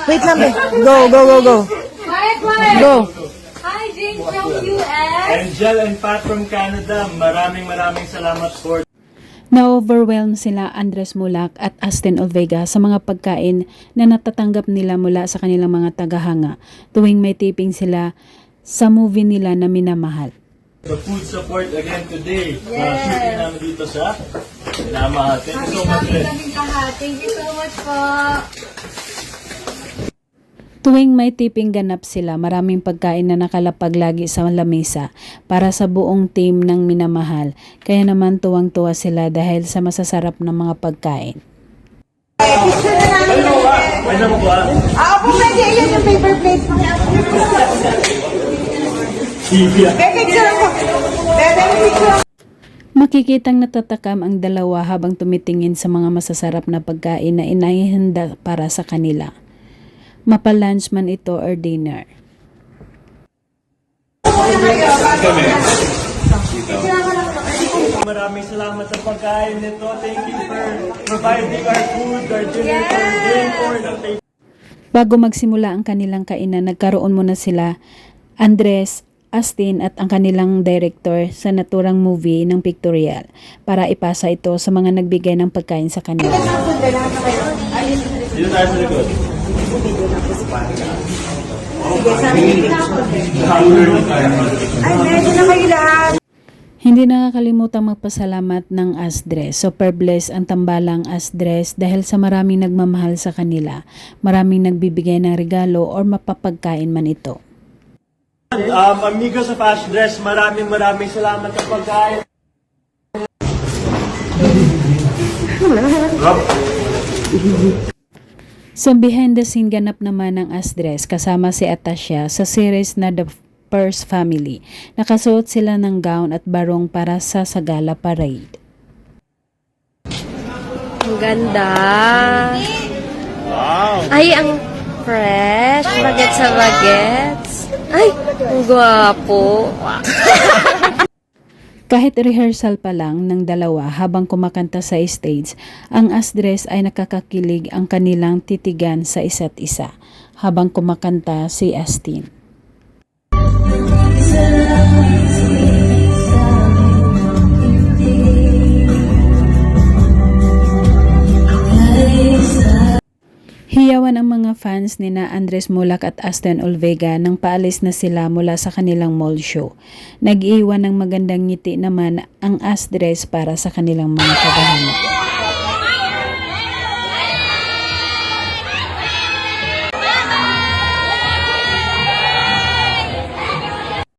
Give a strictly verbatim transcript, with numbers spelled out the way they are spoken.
Wait lang, be. Go, go, go, go. Quiet, quiet. Go. Hi, Jane from U S. Angel and Pat from Canada, maraming maraming salamat for Na-overwhelm sila Andres Mulak at Astin Olvega sa mga pagkain na natatanggap nila mula sa kanilang mga tagahanga tuwing may taping sila sa movie nila na Minamahal. the food support again today. Yes. Uh, shooting namin dito sa Minamahal. Thank you so much, Red. Thank you so much po. Tuwing may tiping ganap sila, maraming pagkain na nakalapag lagi sa lamesa para sa buong team ng Minamahal. Kaya naman tuwang-tuwa sila dahil sa masasarap na mga pagkain. Picture na namin. Ano ba? Ano mo ba? Ah, po pwede. Ayan yung paper plates. May picture ako. Pwede may picture. Makikitang natatakam ang dalawa habang tumitingin sa mga masasarap na pagkain na inahihanda para sa kanila. Mapa-lunch man ito or dinner. Maraming salamat sa pagkain nito. Thank you for providing our food, our dinner, for day for the table. Bago magsimula ang kanilang kainan, nagkaroon muna sila, Andres, Astin at ang kanilang director sa naturang movie ng pictorial para ipasa ito sa mga nagbigay ng pagkain sa kanila. Dito tayo sa likod. Ay, medyo na kayo lahat. Hindi nakakalimutang magpasalamat ng Asdres. Super blessed ang tambalang Asdres dahil sa maraming nagmamahal sa kanila. Maraming nagbibigay ng regalo or mapapagkain man ito. Um, amigos of Ash Dress, maraming maraming salamat sa pagkain. Sa behind the scene ganap naman ng Asdres kasama si Atasha sa series na The First Family. Nakasuot sila ng gown at barong para sa Sagala Parade. Ang ganda. Wow! Ay, ang fresh. Bagets sa bagets. Ay, ang gwapo. Kahit rehearsal pa lang ng dalawa habang kumakanta sa stage, ang Asdres ay nakakakilig ang kanilang titigan sa isa't isa habang kumakanta si Astin. Hiyawan ang mga fans ni na Andres Mulak at Astin Olvega nang paalis na sila mula sa kanilang mall show. Nag-iwan ng magandang ngiti naman ang Asdres para sa kanilang mga kabahana.